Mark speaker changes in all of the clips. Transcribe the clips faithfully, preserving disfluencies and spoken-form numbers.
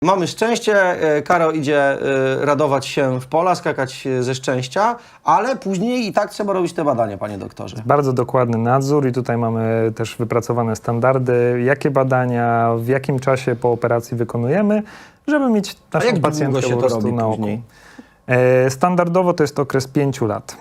Speaker 1: Mamy szczęście, e, Karo idzie e, radować się w pola, skakać e, ze szczęścia, ale później i tak trzeba robić te badania, panie doktorze.
Speaker 2: Bardzo dokładny nadzór i tutaj mamy też wypracowane standardy, jakie badania, w jakim czasie po operacji wykonujemy, żeby mieć
Speaker 1: A
Speaker 2: naszą
Speaker 1: jak długo
Speaker 2: pacjentkę
Speaker 1: się
Speaker 2: po
Speaker 1: to
Speaker 2: prostu
Speaker 1: robi
Speaker 2: na oku.
Speaker 1: później?
Speaker 2: E, Standardowo to jest okres pięciu lat.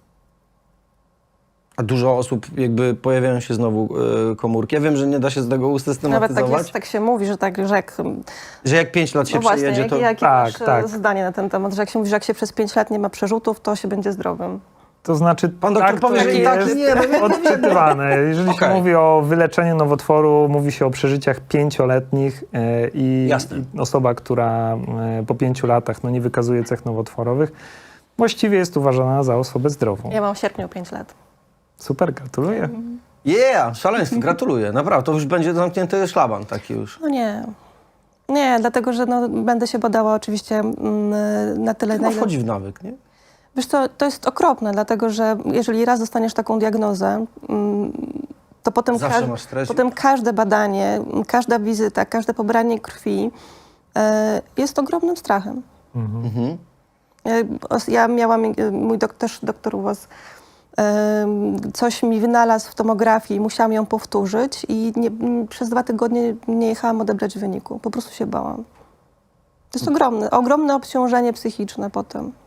Speaker 1: A dużo osób jakby pojawiają się znowu e, komórki. Ja wiem, że nie da się z tego
Speaker 3: Nawet tak,
Speaker 1: usystematyzować,
Speaker 3: jest, tak się mówi, że tak, że jak...
Speaker 1: że jak pięć lat się
Speaker 3: No właśnie,
Speaker 1: przejedzie,
Speaker 3: jakie
Speaker 1: to...
Speaker 3: jakie
Speaker 2: Tak,
Speaker 3: masz
Speaker 2: tak.
Speaker 3: zdanie na ten temat, że jak się mówi, że jak się przez pięć lat nie ma przerzutów, to się będzie zdrowym.
Speaker 2: To znaczy,
Speaker 1: Pan doktor
Speaker 2: tak,
Speaker 1: powie,
Speaker 2: to
Speaker 1: że i
Speaker 2: jest
Speaker 1: tak, nie, no nie,
Speaker 2: odczytywane. Jeżeli
Speaker 1: Okej.
Speaker 2: się mówi o wyleczeniu nowotworu, mówi się o przeżyciach pięcioletnich e, i,
Speaker 1: Jasne.
Speaker 2: i osoba, która e, po pięciu latach no, nie wykazuje cech nowotworowych, właściwie jest uważana za osobę zdrową.
Speaker 3: Ja mam w sierpniu pięć lat.
Speaker 2: Super, gratuluję.
Speaker 1: Yeah, szaleństwo, gratuluję, naprawdę. To już będzie zamknięty szlaban taki już.
Speaker 3: No nie. Nie, dlatego, że no, będę się badała oczywiście mm, na tyle,
Speaker 1: Chyba
Speaker 3: na ile...
Speaker 1: wchodzi w nawyk, nie?
Speaker 3: Wiesz co, to jest okropne, dlatego że jeżeli raz dostaniesz taką diagnozę, mm, to potem,
Speaker 1: Zawsze
Speaker 3: każ-
Speaker 1: masz stres.
Speaker 3: potem każde badanie, każda wizyta, każde pobranie krwi e, jest ogromnym strachem.
Speaker 1: Mhm.
Speaker 3: E, os- Ja miałam, e, mój dok- też doktor u was e, coś mi wynalazł w tomografii, musiałam ją powtórzyć i nie, m, przez dwa tygodnie nie jechałam odebrać wyniku. Po prostu się bałam. To jest ogromne, ogromne obciążenie psychiczne potem.